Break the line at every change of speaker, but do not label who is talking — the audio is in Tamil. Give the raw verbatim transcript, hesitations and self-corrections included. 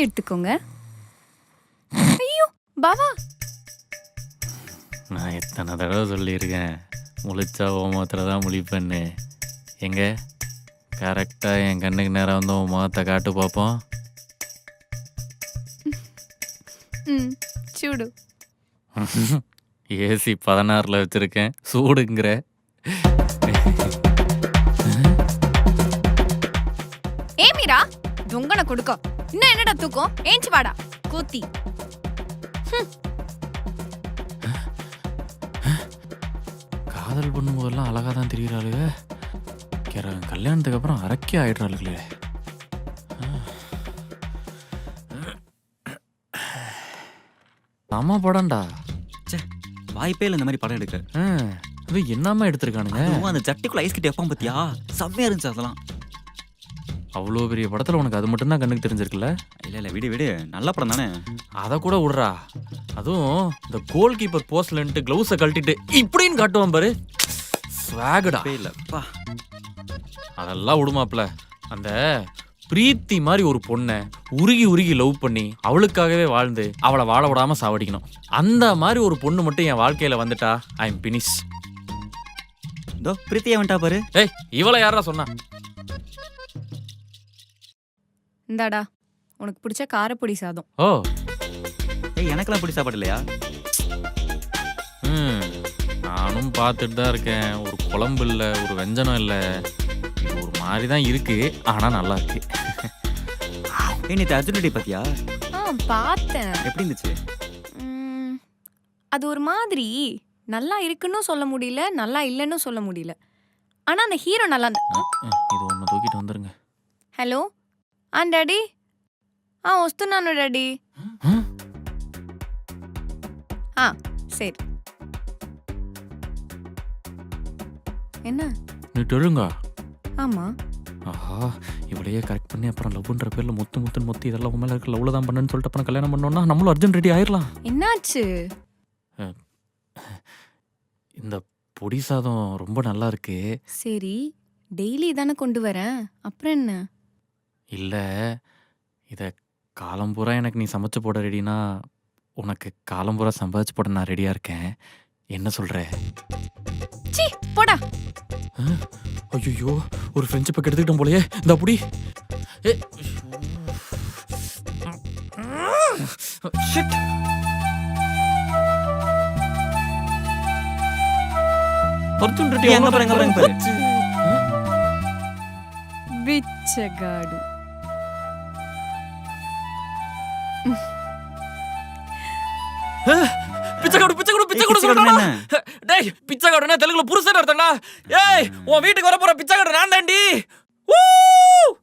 எடுத்துக்கோங்க. ஐயோ பாவா,
நான் எத்தனை தடவை சொல்லியிருக்கேன் முழிச்சா உன் முகத்தில் தான் முழிப்பேன்னு. எங்க கரெக்டாக என் கண்ணுக்கு நேரம் வந்து உன் முகத்தை காட்டு பார்ப்போம்.
ம் சூடு.
ஏசி பதினாறில் வச்சுருக்கேன், சூடுங்கிற.
ஏ மீரா, தொங்கனை கொடுக்க இன்னும் என்னடா தூக்கம்? ஏஞ்சி வாடா கூத்தி.
காதல் பண்ணும்போதெல்லாம் அழகாக தான் தெரிகிறாளுங்க, கல்யாணத்துக்கு அப்புறம் அரக்கே ஆயிடுறாளுங்களே. அம்மா படம்டா.
வாய்ப்பே இல்லை இந்த மாதிரி படம் எடுக்க.
அது என்னம்மா எடுத்திருக்கானுங்க?
அந்த சட்டிக்குள்ள ஐஸ் கட்டி வைப்பான் பத்தியா, செம்மையா இருந்துச்சு அதெல்லாம்.
அவ்வளோ பெரிய படத்தில் உனக்கு அது மட்டும்தான் கண்ணுக்கு தெரிஞ்சிருக்குல்ல?
இல்லை இல்லை விடு விடு, நல்ல படம் தானே.
அதை கூட விடுறா. அதுவும் இந்த கோல் கீப்பர் போஸ்ட்லன்ட்டு க்ளவுஸை கழட்டிட்டு இப்படின்னு காட்டுவான் பாரு, ஸ்வாகடா.
இல்லைப்பா
அதெல்லாம் விடுமாப்ல. அந்த பிரீத்தி மாதிரி ஒரு பொண்ணை உருகி உருகி லவ் பண்ணி அவளுக்காகவே வாழ்ந்து அவளை வாழ விடாம சாவடிக்கணும். அந்த மாதிரி ஒரு பொண்ணு மட்டும் என் வாழ்க்கையில வந்துட்டா ஐ எம் பினிஷ்.
இதோ பிரீத்தியா வந்துட்டா பாரு.
ஏய், இவளை யாரா சொன்னா?
இந்தாடா உனக்கு பிடிச்ச காரப்பொடி சாதம்.
ஓ,
ஏய் எனக்கெல்லாம் பிடி சாப்பாடு இல்லையா?
ம் நானும் பார்த்துட்டு தான் இருக்கேன். ஒரு குழம்பு இல்லை, ஒரு வெஞ்சனம் இல்லை, ஒரு மாதிரி தான் இருக்கு, ஆனா நல்லா இருக்கு.
ஏய் நீ அர்ஜுன் ரெட்டி பாத்தியா?
ஆ பார்த்தேன்.
எப்படி இருந்துச்சு?
ம், அது ஒரு மாதிரி நல்லா இருக்குன்னு சொல்ல முடியல, நல்லா இல்லைன்னு சொல்ல முடியல. ஆனா அந்த ஹீரோ நல்லா இருந்தா.
இது ஒன்று தூக்கிட்டு வந்துருங்க.
హలో ఆ డాడీ ఆ వస్తున్నాను డాడీ. ఆ சரி. என்ன?
நீ டெழுங்க.
ஆமா.
ஆஹா, இவளையே கரெக்ட் பண்ணி அப்புறம் லவ்ன்ற பேர்ல முத்து முத்துன்னு முத்து இதெல்லாம் உண்மையில இருக்க லவ்ல தான் பண்ணுன்னு சொல்லிட்டு அப்புறம் கல்யாணம் பண்ணோம்னா நம்மளும் அர்ஜுன் ரெடி ஆயிடலாம்.
என்னாச்சு?
இந்த பொடி சாதம் ரொம்ப நல்லா இருக்கு.
சரி, டெய்லி தானே கொண்டு வரேன், அப்புறம் என்ன?
இல்லை, இதை காலம்பூரா எனக்கு நீ சமைச்சு போட ரெடினா உனக்கு காலம்பூரா சம்பாதிச்சு போட நான் ரெடியாக இருக்கேன். என்ன சொல்கிற?
சீ போடா.
ஐயோ, ஒரு ஃப்ரெண்ட்ஷிப்பை கெடுத்துக்கிட்டோம் போலயே. இந்த அப்படி அர்ஜுன் ரெட்டி
எங்க பாருங்க பாருங்க பாரு.
బిచ్చగాడు.
பிச்சைக்காடு பிச்சைக்காடு பிச்சைக்காடு சொல்றா. டேய், பிச்சைக்காடுனா தெலுங்குல புருஷன் அர்த்தம்டா. ஏய், உன் வீட்டுக்கு வர போற பிச்சைக்காடு நான் தாண்டி.